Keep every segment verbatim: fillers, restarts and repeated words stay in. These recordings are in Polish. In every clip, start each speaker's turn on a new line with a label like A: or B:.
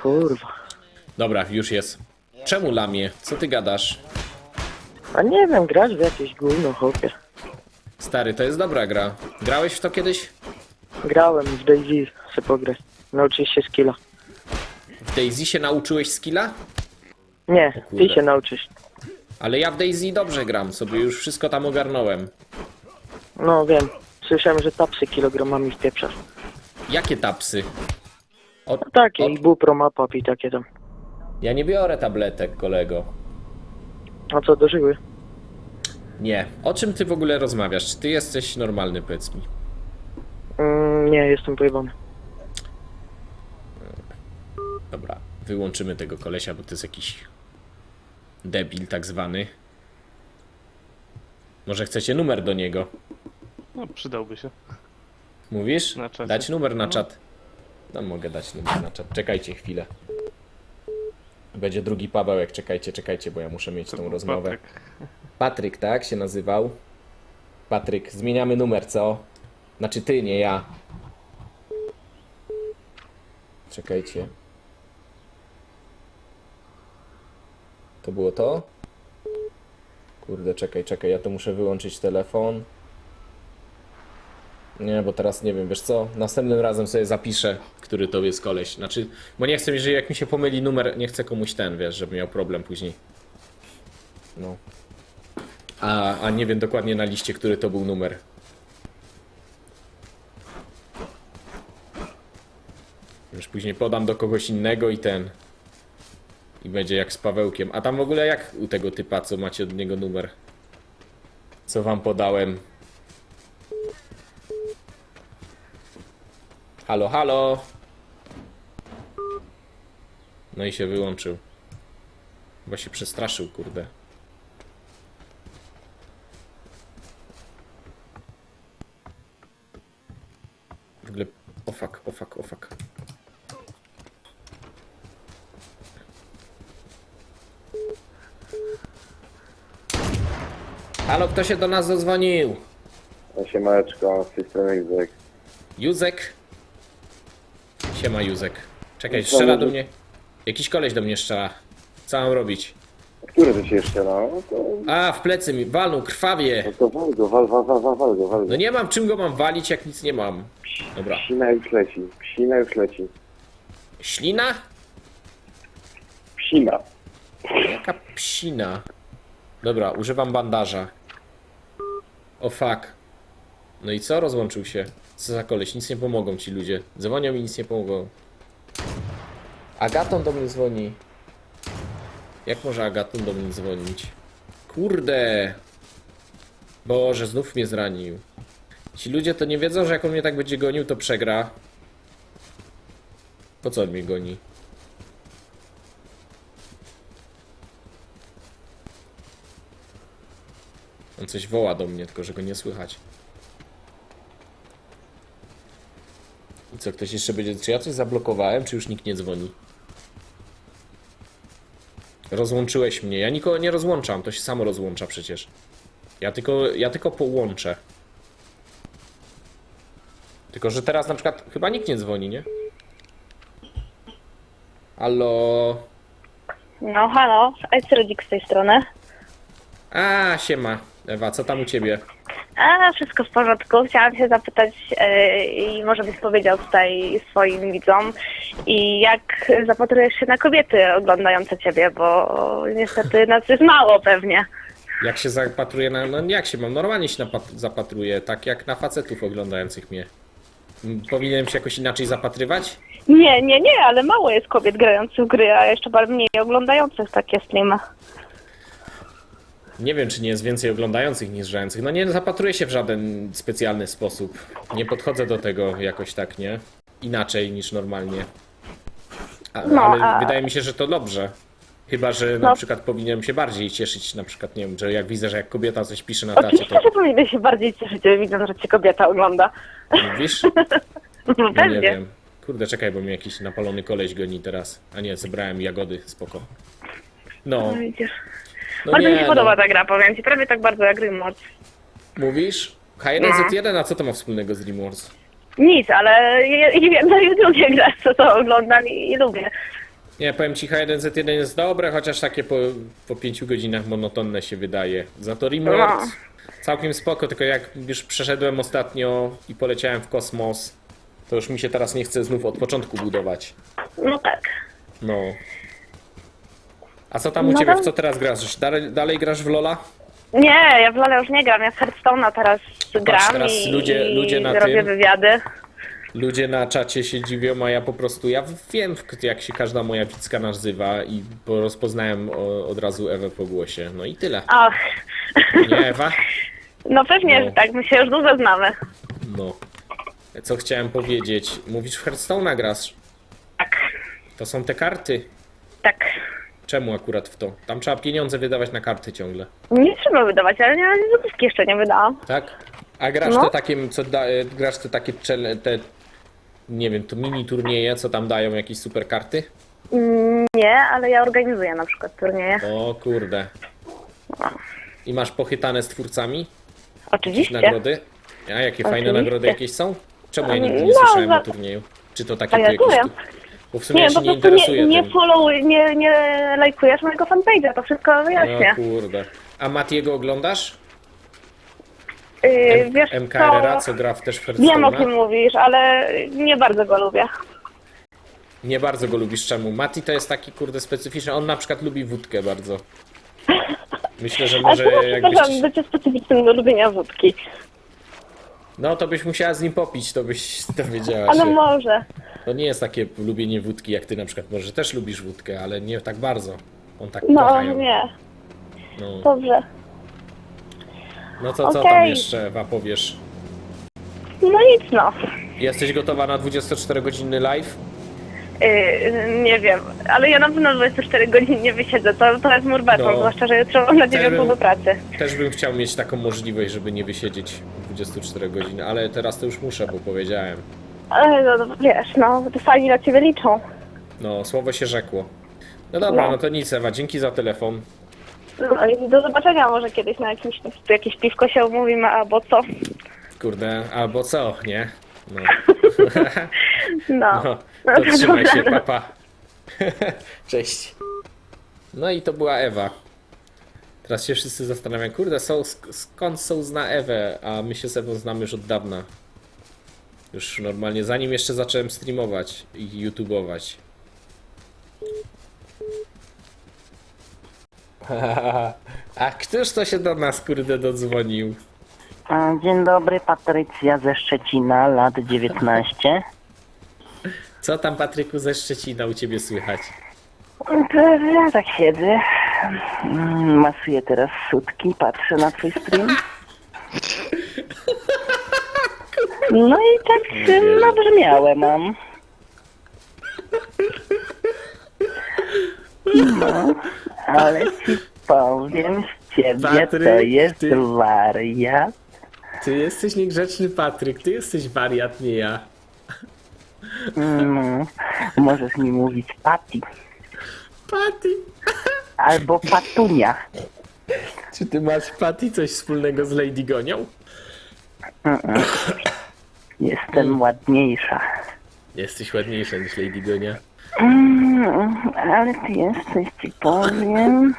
A: kurwa.
B: Dobra, już jest. Czemu lamie? Co ty gadasz?
A: A nie wiem, grać w jakieś gówno, chłopie.
B: Stary, to jest dobra gra. Grałeś w to kiedyś?
A: Grałem w DayZ, chcę pograć. Nauczyć się skilla.
B: W DayZ się nauczyłeś skilla?
A: Nie, ty
B: kurde.
A: się nauczysz.
B: Ale ja w DayZ dobrze gram, sobie już wszystko tam ogarnąłem.
A: No wiem, słyszałem, że tapsy kilogramami wpieprzasz.
B: Jakie tapsy? O,
A: No takie,
B: o,
A: i bupromapap i takie tam.
B: ja nie biorę tabletek, kolego.
A: A co, dożyły?
B: Nie. O czym ty w ogóle rozmawiasz? Czy ty jesteś normalny, powiedz mi?
A: Mm, nie, jestem pojebany.
B: Dobra, wyłączymy tego kolesia, bo to jest jakiś debil tak zwany. Może chcecie numer do niego?
C: No, przydałby się.
B: Mówisz?
C: Na czacie.
B: Dać numer na
C: No.
B: czat. No mogę dać numer na czat. Czekajcie chwilę. Będzie drugi Pawełek. Czekajcie, czekajcie, bo ja muszę mieć tą rozmowę.
C: Patryk.
B: Patryk, tak się nazywał? Patryk, zmieniamy numer, co? Znaczy ty, nie ja. Czekajcie. To było to? Kurde, czekaj, czekaj, ja to muszę wyłączyć telefon. Nie, bo teraz nie wiem, wiesz co? Następnym razem sobie zapiszę, który to jest koleś. Znaczy, bo nie chcę, jeżeli jak mi się pomyli numer, nie chcę komuś ten, wiesz, żeby miał problem później. No. A, a nie wiem dokładnie na liście, który to był numer. Już później podam do kogoś innego i ten. I będzie jak z Pawełkiem. A tam w ogóle jak u tego typa, co macie od niego numer? Co wam podałem? Halo, halo. No i się wyłączył. Chyba się przestraszył, kurde. W ogóle... O fuck, o fuck, o fuck. Halo, kto się do nas zadzwonił?
D: Siemaneczko, z tej strony Józek.
B: Józek? Siema, Józek. Czekaj, strzela do mnie. Jakiś koleś do mnie strzela. Co mam robić?
D: Który to się jeszcze no? To,
B: A, w plecy mi walnął, krwawie.
D: no to wal go, wal, wal, wal, wal, wal go, wal go.
B: No nie mam czym go mam walić, jak nic nie mam. Dobra.
D: Psina już leci, psina już leci.
B: Ślina?
D: Psina.
B: Jaka psina? Dobra, używam bandaża. O fuck. No i co? Rozłączył się. Co za koleś? Nic nie pomogą ci ludzie. Dzwonią i nic nie pomogą. Agaton do mnie dzwoni. Jak może Agaton do mnie dzwonić? Kurde. Boże, znów mnie zranił. Ci ludzie to nie wiedzą, że jak on mnie tak będzie gonił, to przegra. Po co on mnie goni? On coś woła do mnie, tylko że go nie słychać. I co, ktoś jeszcze będzie... Czy ja coś zablokowałem, czy już nikt nie dzwoni? Rozłączyłeś mnie. Ja nikogo nie rozłączam, to się samo rozłącza przecież. Ja tylko, ja tylko połączę. Tylko, że teraz na przykład chyba nikt nie dzwoni, nie? Halo?
E: No halo, Ejsrodzik z tej strony.
B: A, siema. Ewa, co tam u ciebie?
E: A, wszystko w porządku. Chciałam się zapytać yy, i może byś powiedział tutaj swoim widzom i jak zapatrujesz się na kobiety oglądające ciebie, bo niestety nas jest mało pewnie.
B: Jak się zapatruję na... No jak się mam? Normalnie się napat- zapatruję, tak jak na facetów oglądających mnie. M, Powinienem się jakoś inaczej zapatrywać?
E: Nie, nie, nie, ale mało jest kobiet grających w gry, a jeszcze bardziej mniej oglądających takie streamy.
B: Nie wiem, czy nie jest więcej oglądających niż grających. No nie zapatruję się w żaden specjalny sposób. Nie podchodzę do tego jakoś tak, nie? Inaczej niż normalnie. A,
E: No,
B: ale
E: a-
B: wydaje mi się, że to dobrze. Chyba, że na
E: No.
B: przykład powinienem się bardziej cieszyć, na przykład, nie wiem, że jak widzę, że jak kobieta coś pisze na tacie,
E: Oczywiście,
B: to
E: że powinny się bardziej cieszyć, widząc, że cię kobieta ogląda.
B: mówisz?
E: No
B: No nie
E: pewnie.
B: wiem. Kurde, czekaj, bo mnie jakiś napalony koleś goni teraz. A nie, zebrałem jagody, spoko. No,
E: No, widzisz.
B: no
E: Bardzo mi się
B: nie,
E: podoba
B: no.
E: ta gra, powiem ci, prawie tak bardzo jak Rimworld.
B: Mówisz? H jeden
E: No.
B: Z jeden, a co to ma wspólnego z Rimworld?
E: Nic, ale je- jedno i drugie gra, co to oglądam i, i lubię.
B: Nie, powiem ci, H jeden Z jeden jest dobre, chociaż takie po, po pięciu godzinach monotonne się wydaje. Za to Rimworld
E: No.
B: całkiem spoko, tylko jak już przeszedłem ostatnio i poleciałem w kosmos, to już mi się teraz nie chce znów od początku budować.
E: No tak.
B: No. A co tam u
E: No
B: ciebie,
E: to-
B: w co teraz grasz? Dalej, dalej grasz w Lola?
E: Nie, ja w LoL'a już nie gram, ja w Hearthstone'a teraz gram
B: teraz
E: i,
B: ludzie-
E: i
B: ludzie na
E: robię
B: tym-
E: wywiady.
B: Ludzie na czacie się dziwią, a ja po prostu, ja wiem jak się każda moja widzka nazywa i bo rozpoznałem o- od razu Ewę po głosie. No i tyle.
E: Ach,
B: Nie, Ewa?
E: no pewnie,
B: No.
E: że tak, my się już długo znamy.
B: No. Co chciałem powiedzieć? Mówisz w Hearthstone'a grasz?
E: Tak,
B: To są te karty.
E: tak.
B: Czemu akurat w to? Tam trzeba pieniądze wydawać na karty ciągle.
E: Nie trzeba wydawać, ale nie, złotówki jeszcze nie wydałam.
B: Tak? A grasz
E: No.
B: te takie, co da, e, grasz te takie, chele- te, nie wiem, to mini turnieje, co tam dają jakieś super karty?
E: Mm, Nie, ale ja organizuję na przykład turnieje.
B: O kurde. I masz pochytane z twórcami?
E: Oczywiście.
B: Nagrody? A jakie fajne
E: Oczywiście.
B: nagrody jakieś są? Czemu ja nigdy nie
E: No,
B: słyszałem
E: za-
B: o turnieju? Czy to takie
E: A
B: tu
E: ja
B: jakieś...
E: powiem.
B: Tu... Bo w sumie
E: Nie,
B: ja się
E: po
B: nie
E: prostu nie,
B: interesuję
E: nie
B: tym.
E: follow, nie, nie lajkujesz mojego fanpage'a, to wszystko wyjaśnię.
B: O kurde. A Matiego oglądasz?
E: Yy,
B: M-
E: wiesz
B: M K R A,
E: co,
B: co gra w też w
E: wiem o kim
B: Hearthstone'a?
E: mówisz, ale nie bardzo go lubię.
B: Nie bardzo go lubisz. Czemu? Mati to jest taki kurde specyficzny. On na przykład lubi wódkę bardzo. Myślę, że
E: Ale
B: może
E: to znaczy,
B: jakbyś...
E: że bycie specyficznym do lubienia wódki.
B: No to byś musiała z nim popić, to byś dowiedziała
E: Ale
B: się.
E: może.
B: To nie jest takie lubienie wódki jak ty na przykład. Może też lubisz wódkę, ale nie tak bardzo. On tak
E: No
B: kocha ją.
E: nie,
B: No.
E: dobrze.
B: No to co
E: Okej.
B: tam jeszcze, Ewa, powiesz?
E: No nic no.
B: Jesteś gotowa na dwudziestoczterogodzinny live?
E: Yy, nie wiem, ale ja na pewno dwadzieścia cztery godziny nie wysiedzę, to, to jest mój beton,
B: No.
E: zwłaszcza, że jutro mam na dziewiątą
B: bym-
E: do pracy.
B: Też bym chciał mieć taką możliwość, żeby nie wysiedzieć dwadzieścia cztery godziny, ale teraz to już muszę, bo powiedziałem.
E: Ale no, no wiesz, no, te fani na ciebie liczą.
B: No, słowo się rzekło. No dobra,
E: No.
B: no to nic, Ewa, dzięki za telefon.
E: No i do zobaczenia może kiedyś na jakimś, jakieś piwko się umówimy, albo co.
B: Kurde, albo co, nie? No,
E: No,
B: no
E: no
B: to trzymaj się,
E: dobra.
B: papa. Cześć. No i to była Ewa. Teraz się wszyscy zastanawiają, kurde, są, sk- skąd są zna Ewę, a my się z Ewą znamy już od dawna. Już normalnie, zanim jeszcze zacząłem streamować i youtubować. A któż to się do nas, kurde, dodzwonił?
F: A, Dzień dobry, Patrycja ze Szczecina, lat dziewiętnaście.
B: Co tam, Patryku, ze Szczecina u ciebie słychać?
F: To ja tak siedzę, mm, masuję teraz sutki, patrzę na twój stream. No i tak
B: Nie wierzę.
F: nabrzmiałe mam. No, ale ci powiem, z ciebie to
B: Patryk,
F: jest
B: ty-
F: wariat.
B: Ty jesteś niegrzeczny, Patryk, ty jesteś wariat, nie ja.
F: No, możesz mi mówić Pati
B: Paty!
F: albo Patunia.
B: Czy ty masz, Paty, coś wspólnego z Lady Gonią?
F: Jestem ładniejsza.
B: Jesteś ładniejsza niż Lady Gonia.
F: Mm, ale ty jesteś, ci powiem.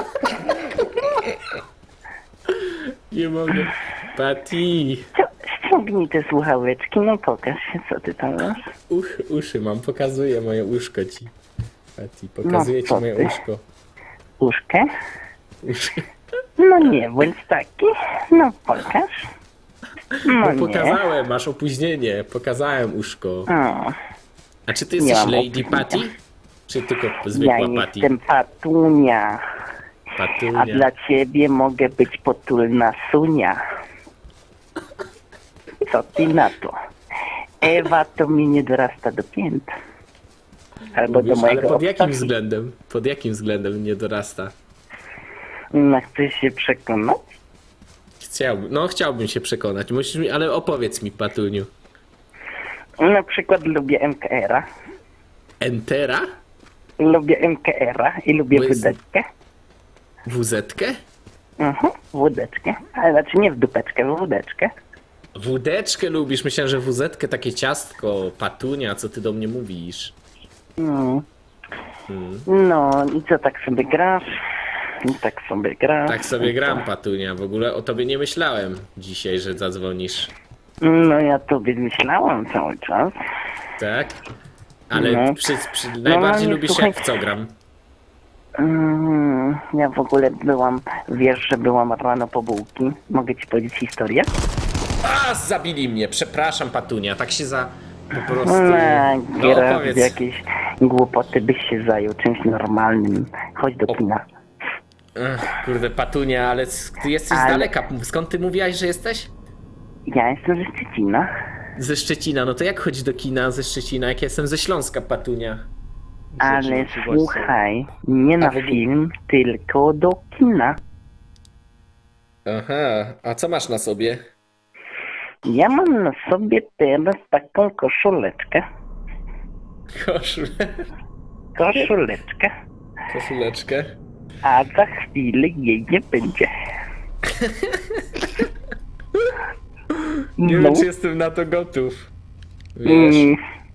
B: Nie mogę. Paty!
F: Co, ściągnij te słuchaweczki, no pokaż się, co ty tam masz.
B: Uch, uszy mam, pokazuję moje uszko ci. Paty, pokazuję
F: No,
B: ci
F: co
B: moje
F: ty?
B: uszko.
F: Uszkę?
B: Uszy.
F: No nie, bądź taki. No pokaż. No
B: No
F: nie.
B: pokazałem, masz opóźnienie, pokazałem uszko.
F: O,
B: A czy ty
F: Nie
B: jesteś
F: mam
B: Lady
F: opóźnienia.
B: Patty? Czy tylko
F: ja
B: zwykła Patty?
F: jestem Patunia, a
B: Patunia.
F: dla ciebie mogę być potulna Sunia. Co ty na to? Ewa to mi nie dorasta do pięt. Albo do
B: Mówisz, ale
F: mojego
B: pod jakim
F: obcasu.
B: względem? Pod jakim względem nie dorasta?
F: No chcesz się przekonać?
B: Chciałbym, no chciałbym się przekonać. Musisz mi, ale opowiedz mi, Patuniu.
F: Na przykład lubię M K R-a.
B: Entera?
F: Lubię M K R-a i lubię
B: Bo jest-
F: wódeczkę.
B: W Z-kę?
F: Mhm, wódeczkę. Ale znaczy nie w dupeczkę, w wódeczkę.
B: Wódeczkę lubisz? Myślałem, że W Z-kę takie ciastko, Patunia, co ty do mnie mówisz?
F: Mm.
B: Hmm.
F: No i co, tak sobie grasz? I tak sobie grasz.
B: Tak sobie gram, Patunia. W ogóle o tobie nie myślałem dzisiaj, że zadzwonisz.
F: No ja tobie myślałam cały czas.
B: Tak? Ale
F: No.
B: przy, przy, najbardziej
F: nie,
B: lubisz
F: słuchaj.
B: jak w co gram?
F: Mm, ja w ogóle byłam, wiesz, że byłam rano po bułki. Mogę ci powiedzieć historię?
B: A, zabili mnie. Przepraszam, Patunia. Tak się za... Po prostu...
F: No,
B: No,
F: gra w
B: opowiedz.
F: jakieś głupoty byś się zajął czymś normalnym. Chodź do
B: O-
F: kina.
B: Ech, kurde, Patunia, ale s- ty jesteś z
F: Ale-
B: daleka. Skąd ty mówiłaś, że jesteś?
F: Ja jestem ze Szczecina.
B: Ze Szczecina. No to jak chodzić do kina ze Szczecina, jak ja jestem ze Śląska, Patunia?
F: Ale
C: Zaczynam się bać,
F: słuchaj, nie na
B: A w ogóle-
F: film, tylko do kina.
B: Aha, a co masz na sobie?
F: Ja mam na sobie teraz taką koszuleczkę.
B: Koszul...
F: Koszuleczkę.
B: Koszuleczkę.
F: A za chwilę jej nie będzie.
B: Nie
F: No.
B: wiem, czy jestem na to gotów. Wiesz,
F: Mm.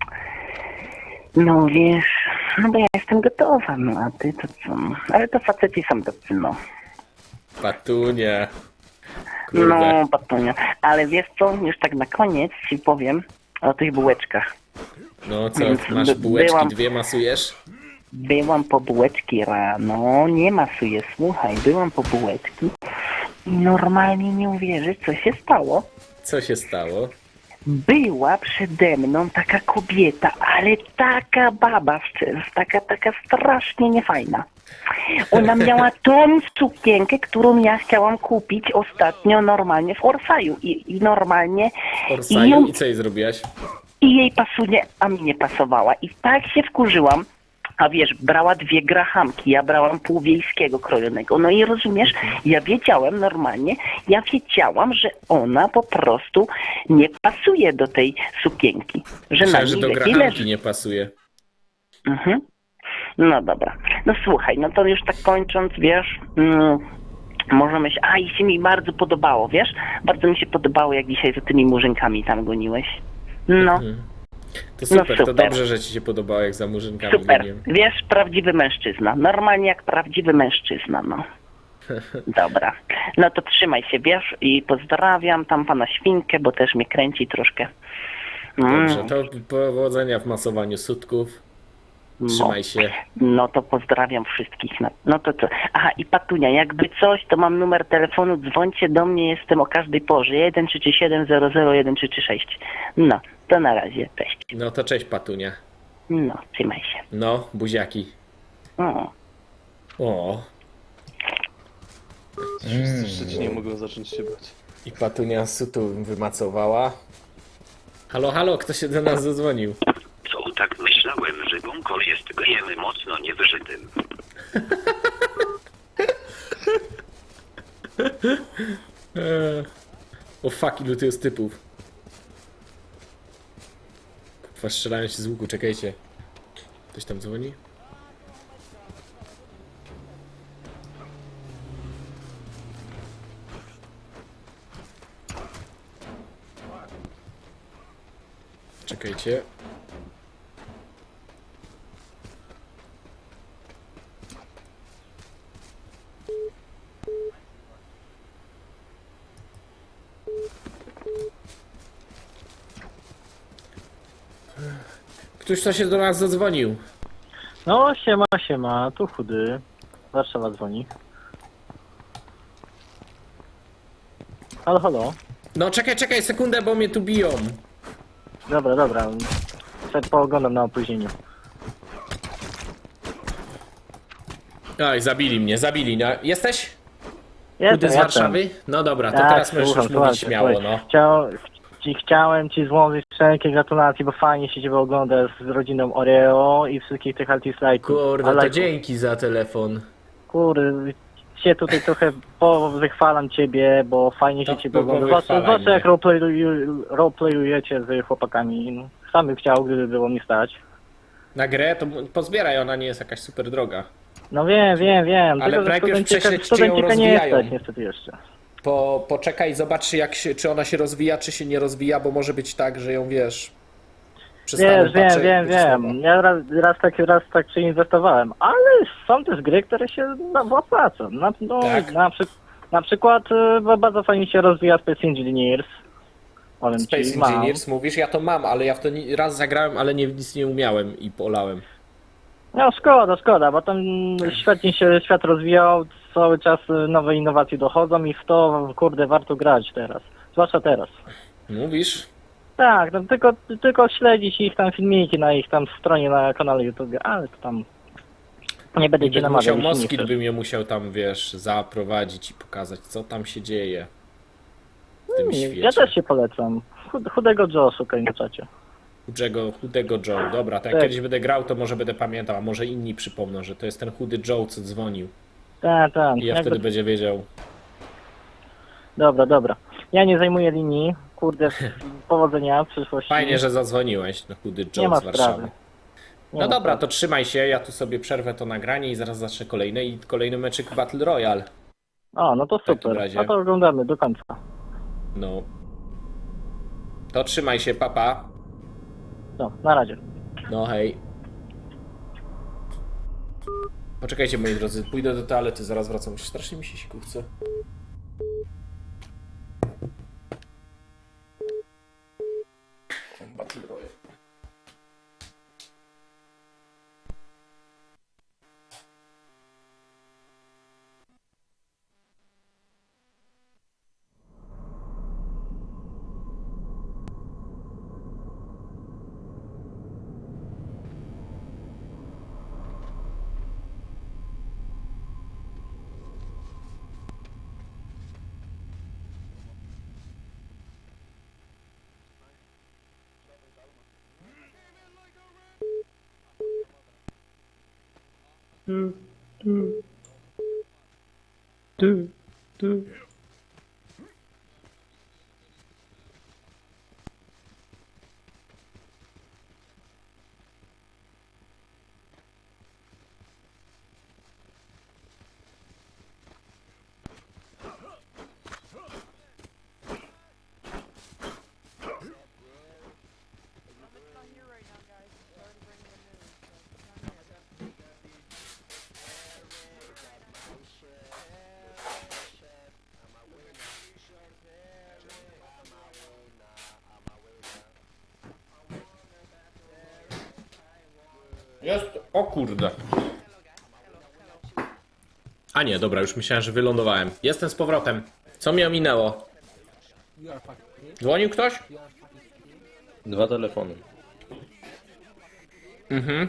F: No wiesz, no bo ja jestem gotowa, no a ty to co? Ale to faceci są tacy, no.
B: Patunia. Kurde.
F: No, patunia. Ale wiesz co, już tak na koniec ci powiem o tych bułeczkach.
B: No co,
F: Więc
B: masz
F: by-
B: bułeczki,
F: byłam-
B: dwie masujesz?
F: Byłam po bułeczki rano, nie masuję, słuchaj, byłam po bułeczki i normalnie nie uwierzysz, co się stało.
B: Co się stało?
F: Była przede mną taka kobieta, ale taka baba, szczerze, taka, taka strasznie niefajna. Ona miała tą sukienkę, którą ja chciałam kupić ostatnio normalnie w Orsaju i, i normalnie i,
B: Orsaju
F: ją,
B: i co jej zrobiłaś?
F: i jej pasuje, a mi nie pasowała. I tak się wkurzyłam, a wiesz, brała dwie grahamki, ja brałam pół wiejskiego krojonego. No i rozumiesz, ja wiedziałem normalnie, ja wiedziałam, że ona po prostu nie pasuje do tej sukienki. Że na
B: Myślałem, że
F: niej
B: do
F: lepiej
B: grachanki
F: leży.
B: nie pasuje.
F: Mhm. No dobra. No słuchaj, no to już tak kończąc, wiesz, mm, możemy się... A, i się mi bardzo podobało, wiesz? Bardzo mi się podobało, jak dzisiaj za tymi murzynkami tam goniłeś. No,
B: Mhm. To super, to
F: super.
B: dobrze, że ci się podobało, jak za murzynkami
F: super.
B: goniłem.
F: Wiesz, prawdziwy mężczyzna. Normalnie jak prawdziwy mężczyzna, no. Dobra. No to trzymaj się, wiesz, i pozdrawiam tam pana Świnkę, bo też mnie kręci troszkę. Mm,
B: Dobrze, to powodzenia w masowaniu sutków.
F: no.
B: Trzymaj się.
F: No to pozdrawiam wszystkich. No, no to co? Aha, i Patunia, jakby coś, to mam numer telefonu, dzwońcie do mnie, jestem o każdej porze. jeden trzy trzy siedem zero zero jeden trzy trzy sześć. No, to na razie, cześć.
B: No to cześć, Patunia.
F: No, trzymaj się.
B: No, buziaki.
F: O.
B: O.
C: Wszyscy w Szczecinie mogą zacząć się bać.
B: I Patunia sutu wymacowała. Halo, halo, kto się do nas zadzwonił?
G: Co, tak myślałem, że Bunkol jest gejem mocno niewyżytym.
B: Eee. O fuck, ilu tu jest typów. Kurwa, strzelają się z łuku, czekajcie. Ktoś tam dzwoni? Czekajcie. Ktoś to się do nas zadzwonił.
H: No, siema, siema, tu chudy. Warszawa dzwoni. Halo, halo.
B: No czekaj, czekaj, sekundę, bo mnie tu biją.
H: Dobra, dobra. Przed pooglądam na opóźnieniu.
B: Oj, zabili mnie, zabili. No, jesteś?
H: Jestem,
B: Chudy z
H: jestem.
B: Warszawy? No dobra, to
H: Tak,
B: teraz możesz
H: słucham,
B: już mówić
H: słuchajcie,
B: śmiało,
H: słuchaj.
B: no.
H: Chciał, ci, chciałem ci złożyć wszelkie gratulacje, bo fajnie się ciebie ogląda z rodziną Oreo i wszystkich tych artist-like'ów.
B: Kurde,
H: Ale-
B: to dzięki za telefon.
H: Kurde, się tutaj trochę powychwalam ciebie, bo fajnie się
B: To
H: ciebie ogląda.
B: powychwalaj
H: Zwłaszcza, zwłaszcza
B: mnie.
H: jak roleplayu- roleplayujecie z chłopakami. No, sam bym chciał, gdyby było mi stać.
B: Na grę to pozbieraj, ona nie jest jakaś super droga.
H: No wiem, wiem, wiem.
B: Ale
H: Tylko, że
B: najpierw
H: studencika,
B: prześledź, czy ją
H: studencika nie
B: rozwijają.
H: jesteś niestety jeszcze.
B: Po, poczekaj, zobacz jak się, czy ona się rozwija, czy się nie rozwija, bo może być tak, że ją wiesz. przestałem
H: Wiesz, wiem,
B: patrzeć,
H: wiem,
B: będzie słabo.
H: wiem. Ja raz, raz tak raz tak przeinwestowałem, ale są też gry, które się no, opłacą. Na, no,
B: Tak.
H: na, przy, na przykład y, bardzo fajnie się rozwija Space Engineers. Powiem
B: Space
H: ci, mam.
B: Engineers mówisz, ja to mam, ale ja w to ni- raz zagrałem, ale nie, nic nie umiałem i polałem.
H: No szkoda, szkoda, bo tam świetnie się świat rozwijał, cały czas y, nowe innowacje dochodzą i w to, kurde, warto grać teraz. Zwłaszcza teraz.
B: Mówisz?
H: Tak, no, tylko, tylko śledzić ich tam filmiki na ich tam stronie na kanale YouTube, ale to tam nie będę cię
B: Gdybym
H: namawiał.
B: musiał
H: jeśli nie
B: Moskit,
H: chcesz.
B: bym je musiał tam, wiesz, zaprowadzić i pokazać, co tam się dzieje w tym świecie.
H: Ja też się polecam. Chud- Chudego Joe szukaj na czacie.
B: Chudego, chudego Joe. Dobra, to jak
H: Tak.
B: kiedyś będę grał, to może będę pamiętał, a może inni przypomną, że to jest ten chudy Joe, co dzwonił.
H: Tak, tak.
B: I ja
H: Jakby-
B: wtedy będzie wiedział.
H: Dobra, dobra. Ja nie zajmuję linii. Kurde, powodzenia w przyszłości.
B: Fajnie, że zadzwoniłeś, no chudy
H: Nie
B: Joe
H: ma
B: z Warszawy.
H: sprawy. Nie
B: No
H: ma
B: dobra,
H: sprawy.
B: to trzymaj się, ja tu sobie przerwę to nagranie i zaraz zacznę kolejne i kolejny meczyk Battle Royale.
H: O, no to
B: takim
H: super.
B: razie.
H: No to oglądamy do końca.
B: No. To trzymaj się, papa.
H: No, na razie.
B: No hej. Poczekajcie, moi drodzy, pójdę do toalety, zaraz wracam. Strasznie mi się siku chce. Battle Royale. Jest. O kurde. A nie, dobra, już myślałem, że wylądowałem. Jestem z powrotem. Co mnie ominęło? Dzwonił ktoś?
C: Dwa telefony.
B: Mhm.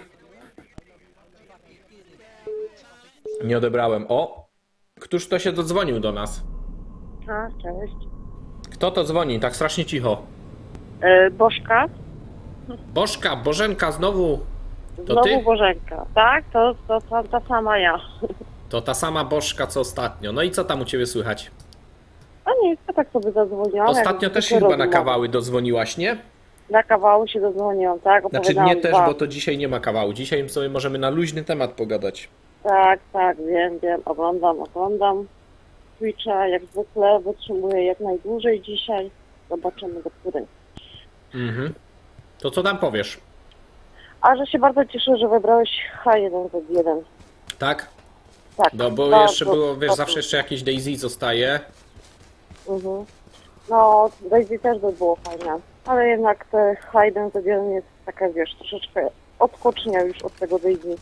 B: Nie odebrałem. O! Któż to się dodzwonił do nas?
E: A, cześć.
B: Kto to dzwoni? Tak strasznie cicho.
E: E, Bożka?
B: Bożka, Bożenka, znowu. To
E: Znowu
B: ty?
E: Bożenka. Tak, to, to, to ta sama ja.
B: To ta sama Bożka, co ostatnio. No i co tam u ciebie słychać?
E: A nie, ja tak sobie zadzwoniłam.
B: Ostatnio
E: jak
B: też się
E: zwykle
B: chyba na
E: rozmowa.
B: kawały dodzwoniłaś, nie?
E: Na kawały się dodzwoniłam, tak?
B: Znaczy
E: Opowiadałam
B: nie też,
E: dwa.
B: bo to dzisiaj nie ma kawału. Dzisiaj sobie możemy na luźny temat pogadać.
E: Tak, tak, wiem, wiem. Oglądam, oglądam. Twitcha jak zwykle wytrzymuję jak najdłużej dzisiaj. Zobaczymy do której.
B: Mhm. To co tam powiesz?
E: A że się bardzo cieszę, że wybrałeś H jeden Z jeden.
B: Tak?
E: Tak.
B: No bo
E: bardzo,
B: jeszcze było, wiesz,
E: bardzo.
B: zawsze jeszcze jakieś Daisy zostaje.
E: Mhm. No, Daisy też by było fajne. Ale jednak te H jeden Z jeden jest taka, wiesz, troszeczkę odskocznia już od tego Daisy.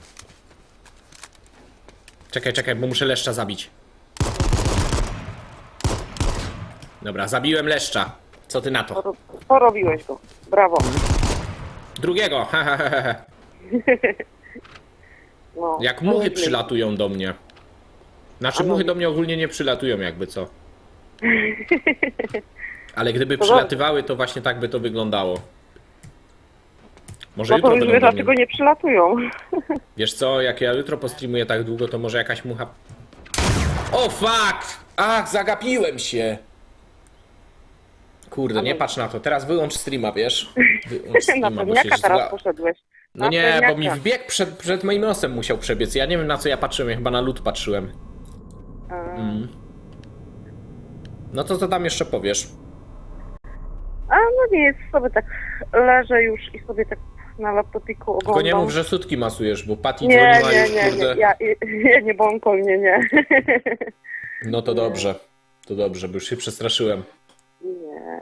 B: Czekaj, czekaj, bo muszę leszcza zabić. Dobra, zabiłem leszcza. Co ty na to?
E: Poro- Porobiłeś go. Brawo.
B: Drugiego! Ha, ha, ha, ha.
E: No,
B: Jak muchy
E: nieźle.
B: przylatują do mnie. Znaczy
E: A no.
B: muchy do mnie ogólnie nie przylatują jakby co. Ale gdyby
E: To
B: przylatywały, to właśnie tak by to wyglądało. Może
E: No to
B: jutro
E: już
B: będą
E: wiesz,
B: do mnie.
E: dlaczego nie przylatują.
B: Wiesz co, jak ja jutro postreamuję tak długo, to może jakaś mucha... O fuck! Ach, zagapiłem się! Kurde, nie patrz na to. Teraz wyłącz streama, wiesz? Wyłącz
E: Na
B: streama, bo się
E: pewniaka teraz
B: zła...
E: poszedłeś.
B: No
E: Na
B: nie, bo
E: pewniaka.
B: mi wbieg przed, przed moim nosem musiał przebiec. Ja nie wiem na co ja patrzyłem, ja chyba na lód patrzyłem.
E: A,
B: Mm. No to co tam jeszcze powiesz?
E: A no No nie jest, sobie tak leżę już i sobie tak na laptopiku oglądam.
B: Tylko nie mów, że sutki masujesz, bo Patty
E: Nie,
B: dzwoniła
E: nie,
B: już,
E: nie,
B: kurde.
E: nie, ja, ja nie bąkol, nie, nie.
B: No to dobrze, to dobrze, bo już się przestraszyłem.
E: Nie.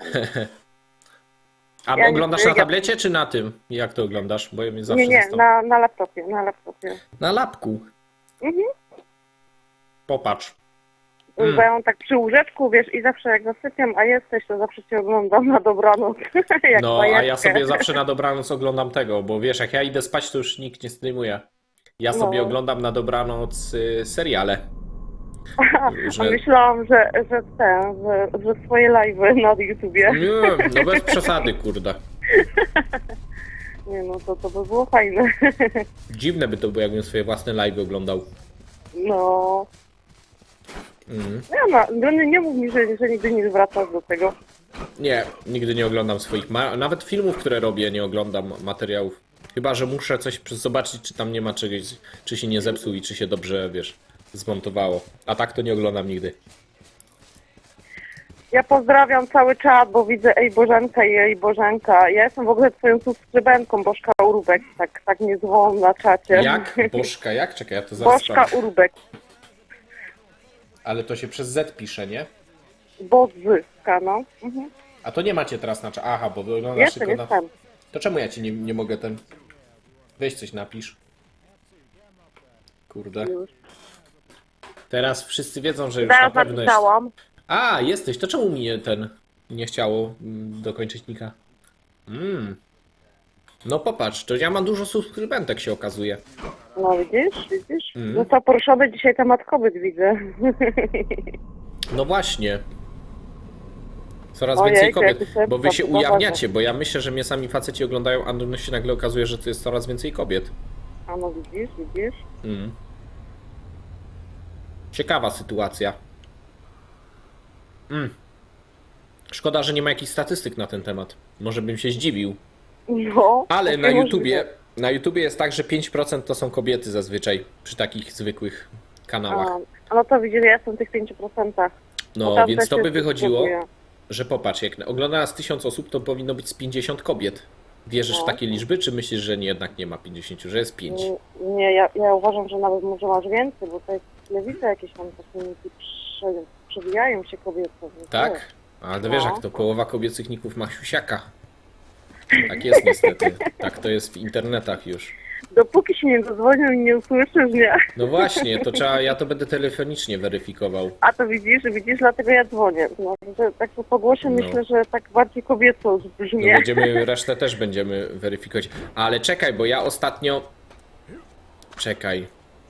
B: A
E: Ja nie-
B: oglądasz na
E: ja-
B: tablecie czy na tym? Jak to oglądasz? Bo ja mnie zawsze
E: Nie, nie,
B: zastan-
E: na, na laptopie, na laptopie.
B: Na lapku.
E: Mhm.
B: Popatrz.
E: Mm. Bo ja mam tak przy łóżeczku, wiesz, i zawsze jak zasypiam, a jesteś, to zawsze cię oglądam na dobranoc. jak
B: No, a ja
E: bajeczkę.
B: sobie zawsze na dobranoc oglądam tego, bo wiesz, jak ja idę spać, to już nikt nie streamuje. Ja sobie
E: No.
B: oglądam na dobranoc y, seriale.
E: A
B: że-
E: myślałam, że, że ten, że, że swoje live'y na YouTubie.
B: Nie, no bez przesady, kurde.
E: Nie no, to, to by było fajne.
B: Dziwne by to było, jakbym swoje własne live oglądał.
E: No.
B: Mhm.
E: Nie, no, nie, nie mów mi, że, że nigdy nie wracasz do tego.
B: Nie, nigdy nie oglądam swoich, ma- nawet filmów, które robię, nie oglądam materiałów. Chyba że muszę coś przy- zobaczyć, czy tam nie ma czegoś, czy się nie zepsuł i czy się dobrze, wiesz, zmontowało. A tak to nie oglądam nigdy.
E: Ja pozdrawiam cały czat, bo widzę Ej Bożenka i Ej Bożenka. Ja jestem w ogóle twoją subskrybentką, Bożka Urubek, tak, tak mnie zwołam na czacie.
B: Jak? Bożka, jak? Czekaj, ja to zaraz
E: Bożka
B: sprawdzę.
E: Urubek.
B: Ale to się przez Z pisze, nie?
E: Bozyska, no. Mhm.
B: A to nie macie teraz na cza... Aha, bo wyglądasz
E: Jestem,
B: tylko na...
E: jestem.
B: To czemu ja ci nie, nie mogę ten... Weź coś napisz. Kurde.
E: Już.
B: Teraz wszyscy wiedzą, że już na
E: Zaraz
B: pewno jest...
E: napisałam.
B: A, jesteś, to czemu mi ten nie chciało mm, dokończyć nika? Mm. No popatrz, to ja mam dużo subskrybentek, się okazuje.
E: No widzisz, widzisz?
B: Mhm.
E: Został poruszony dzisiaj temat kobiet, widzę.
B: No właśnie. Coraz
E: Ojej,
B: więcej
E: to
B: kobiet,
E: jakiś sobie
B: bo wy się
E: poważnie.
B: ujawniacie, bo ja myślę, że mnie sami faceci oglądają, a no się nagle okazuje, że to jest coraz więcej kobiet.
E: A no widzisz, widzisz?
B: Mm. Ciekawa sytuacja. Mm. Szkoda, że nie ma jakichś statystyk na ten temat. Może bym się zdziwił.
E: No.
B: Ale
E: takie
B: na
E: możliwe.
B: YouTubie, na YouTubie jest tak, że pięć procent to są kobiety zazwyczaj przy takich zwykłych kanałach.
E: A, a no to widzisz, ja jestem w tych pięciu procentach.
B: No, więc to by wychodziło, że popatrz, jak ogląda nas tysiąc osób, to powinno być z pięćdziesiąt kobiet. Wierzysz w
E: No.
B: takie liczby, czy myślisz, że nie, jednak nie ma pięćdziesiąt, że jest pięć?
E: Nie, ja, ja uważam, że nawet może masz więcej, bo to jest telewizja jakieś tam takie prze, przewijają się kobiety. nie?
B: Tak? Ale to wiesz,
E: No.
B: jak to połowa kobiecych ników ma siusiaka. Tak jest niestety. Tak to jest w internetach już.
E: Dopóki się nie dozwonią i nie usłyszysz, nie?
B: No właśnie, to trzeba, ja to będę telefonicznie weryfikował.
E: A to widzisz, widzisz, dlatego ja dzwonię. No, że tak po głosie
B: No.
E: myślę, że tak bardziej kobieco
B: To
E: brzmi.
B: będziemy, resztę też będziemy weryfikować. Ale czekaj, bo ja ostatnio... Czekaj.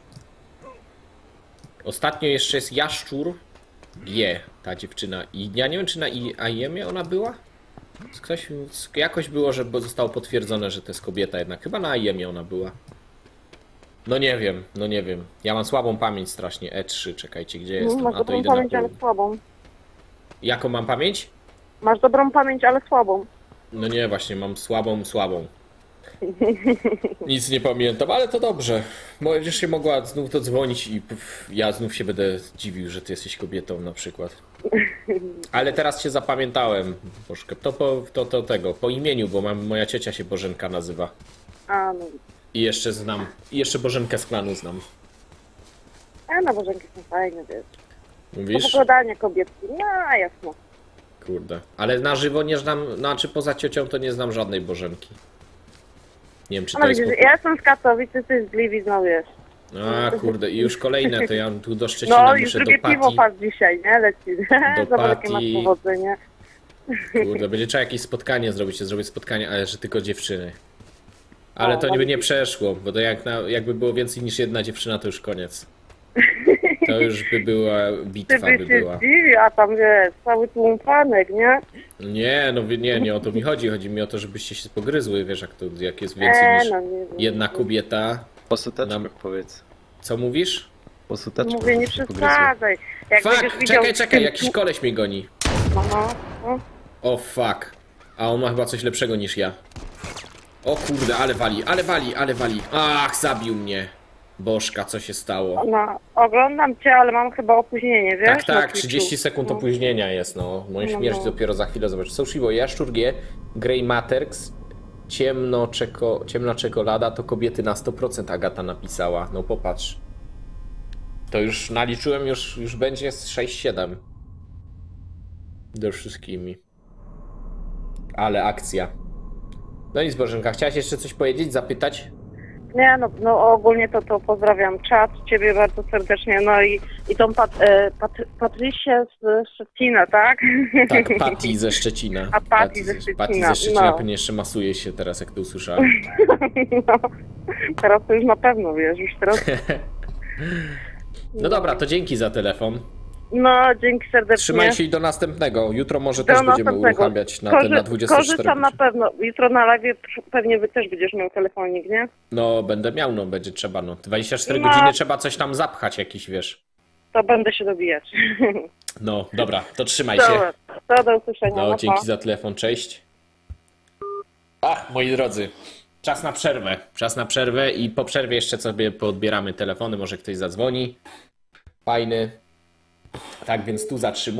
B: Ostatnio jeszcze jest Jaszczur G, ta dziewczyna. I ja nie wiem, czy na I A M ie ona była? Ktoś, jakoś było, że zostało potwierdzone, że to jest kobieta jednak. Chyba na I A M ie ona była. No nie wiem, no nie wiem. Ja mam słabą pamięć strasznie. E trzy, czekajcie, gdzie
E: No,
B: jestem?
E: masz
B: A to
E: dobrą
B: idę na
E: pamięć, ale
B: pół.
E: słabą.
B: Jaką mam pamięć?
E: Masz dobrą pamięć, ale słabą.
B: No nie, właśnie mam słabą, słabą. Nic nie pamiętam, ale to dobrze. Będziesz się mogła znów dodzwonić i pff, ja znów się będę dziwił, że ty jesteś kobietą na przykład. Ale teraz się zapamiętałem, Bożkę. To po to, to tego, po imieniu, bo mam, moja ciocia się Bożenka nazywa.
E: A, no.
B: I jeszcze znam, i jeszcze Bożenkę z klanu znam.
E: A na Bożenki są fajne, wiesz.
B: Mówisz?
E: Opowiadanie kobietki, no jasno.
B: Kurde. Ale na żywo nie znam, znaczy poza ciocią to nie znam żadnej Bożenki. Nie wiem, czy
E: No
B: to jest...
E: widzisz,
B: po-
E: ja jestem z Katowic, ty jesteś z Gliwic, no wiesz.
B: A kurde, i już kolejne, to ja tu do Szczecina
E: No już
B: muszę
E: drugie
B: do
E: piwo
B: Pati.
E: patrz dzisiaj, nie? Leci.
B: Do
E: Zobacz, jakie masz
B: Pati.
E: powodzenie.
B: Kurde, będzie trzeba jakieś spotkanie zrobić, ja zrobię spotkanie, ale że tylko dziewczyny. Ale
E: O,
B: to
E: no
B: by nie
E: widzisz.
B: przeszło, bo to jak na, jakby było więcej niż jedna dziewczyna, to już koniec. To już by była
E: Ty
B: bitwa,
E: by
B: by
E: się
B: była.
E: zdziwił, a tam wiesz, cały tłum fanek, nie?
B: Nie, no wy- nie, nie o to mi chodzi. Chodzi mi o to, żebyście się pogryzły, wiesz, jak to jak jest więcej
E: E,
B: niż
E: no nie wiem.
B: jedna kobieta.
C: Po suteczkach
B: Nam-
C: powiedz.
B: Co mówisz?
C: Po suteczkach.
E: Mówię, nie
C: żeby się pogryzły.
E: przesadzaj. Jak będziesz
B: Fuck,
E: widział
B: czekaj, czekaj,
E: tym
B: jakiś
E: tłu-
B: koleś mnie goni.
E: No, no, no.
B: O fuck. A on ma chyba coś lepszego niż ja. O kurde, ale wali, ale wali, ale wali. Ach, zabił mnie. Bożka, co się stało?
E: No, oglądam cię, ale mam chyba opóźnienie, wiesz?
B: Tak,
E: na
B: tak,
E: Twitchu.
B: trzydzieści sekund
E: No.
B: opóźnienia jest, no. Moją
E: No,
B: śmierć
E: no.
B: dopiero za chwilę zobacz. Socibo, Jaszczur G, Grey Matrix, ciemno, czeko, ciemna czekolada to kobiety na sto procent, Agata napisała. No popatrz. To już naliczyłem, już, już będzie z sześć siedem. Do wszystkimi. Ale akcja. No nic, Bożenka, chciałaś jeszcze coś powiedzieć, zapytać?
E: Nie, no, no ogólnie to, to pozdrawiam czat, ciebie bardzo serdecznie, no i, i tą Pat, e, Pat, Patrycję z Szczecina, tak?
B: Tak, Patty ze Szczecina.
E: A Patty ze Szczecina,
B: Patty ze Szczecina
E: no.
B: pewnie jeszcze masuje się teraz, jak to usłyszałem.
E: No, teraz to już na pewno, wiesz, już teraz...
B: No dobra, to dzięki za telefon.
E: No, dzięki serdecznie.
B: Trzymaj się i do następnego. Jutro może
E: Do
B: też będziemy
E: następnego.
B: uruchamiać na,
E: Korzy-
B: ten, na dwadzieścia cztery
E: Korzystam na
B: godziny.
E: pewno. Jutro na live pewnie wy też będziesz miał telefonik, nie?
B: No, będę miał, no, będzie trzeba, no. dwadzieścia cztery
E: No.
B: godziny trzeba coś tam zapchać jakiś, wiesz.
E: To będę się dobijać.
B: No, dobra, to trzymaj się.
E: Dobra, to do usłyszenia.
B: No,
E: pa.
B: dzięki za telefon, cześć. Ach, moi drodzy, czas na przerwę. Czas na przerwę i po przerwie jeszcze sobie poodbieramy telefony, może ktoś zadzwoni. Fajny. Tak więc tu zatrzymuję.